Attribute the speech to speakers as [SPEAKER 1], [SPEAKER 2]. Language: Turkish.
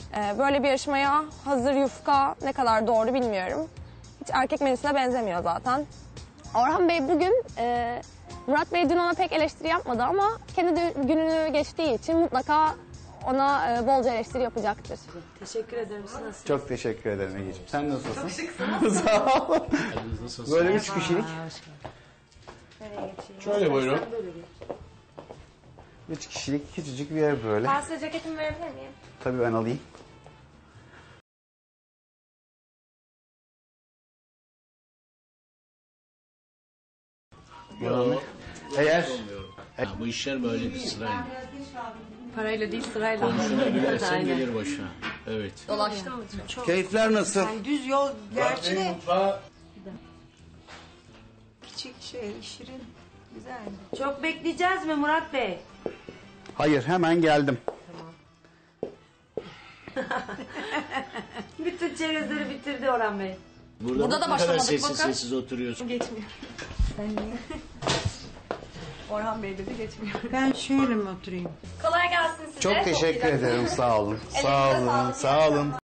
[SPEAKER 1] Böyle bir yarışmaya hazır yufka ne kadar doğru bilmiyorum. Hiç erkek menüsüne benzemiyor zaten. Orhan Bey bugün, Murat Bey dün ona pek eleştiri yapmadı ama kendi gününü geçtiği için mutlaka ona bolca eleştiri yapacaktır.
[SPEAKER 2] Teşekkür ederim. Siz nasılsınız?
[SPEAKER 3] Çok teşekkür ederim Ege'ciğim. Sen nasılsın? Çok şıksın. Sağ ol. Böyle 3 kişilik.
[SPEAKER 4] Şöyle buyurun.
[SPEAKER 3] 3 kişilik küçücük bir yer böyle.
[SPEAKER 1] Ben size ceketimi verebilir miyim?
[SPEAKER 3] Tabii ben alayım.
[SPEAKER 4] Yo,
[SPEAKER 3] Eğer
[SPEAKER 4] bu işler böyledir sırayla.
[SPEAKER 2] Parayla değil sırayla.
[SPEAKER 4] Konuşuna gülersen gelir başına. Evet.
[SPEAKER 2] Dolaştın mı çok?
[SPEAKER 3] keyifler nasıl?
[SPEAKER 5] Yani düz yol gerçi de
[SPEAKER 4] Mutfağı
[SPEAKER 5] küçük şirin, güzel.
[SPEAKER 2] Çok bekleyeceğiz mi Murat Bey?
[SPEAKER 3] Hayır, hemen geldim.
[SPEAKER 2] Bütün çerezleri bitirdi Orhan Bey.
[SPEAKER 4] burada
[SPEAKER 1] da
[SPEAKER 4] ne kadar
[SPEAKER 1] başlamadık,
[SPEAKER 4] sessiz
[SPEAKER 1] bakın.
[SPEAKER 4] sessiz oturuyorsun.
[SPEAKER 5] Geçmiyor. Orhan Bey dedi geçmiyor. Ben şöyle mi oturayım?
[SPEAKER 1] Kolay gelsin size.
[SPEAKER 3] Çok teşekkür
[SPEAKER 1] güzel.
[SPEAKER 3] ederim, sağ olun. Sağ
[SPEAKER 1] Elinize
[SPEAKER 3] olun,
[SPEAKER 1] sağlık.
[SPEAKER 3] sağ olun.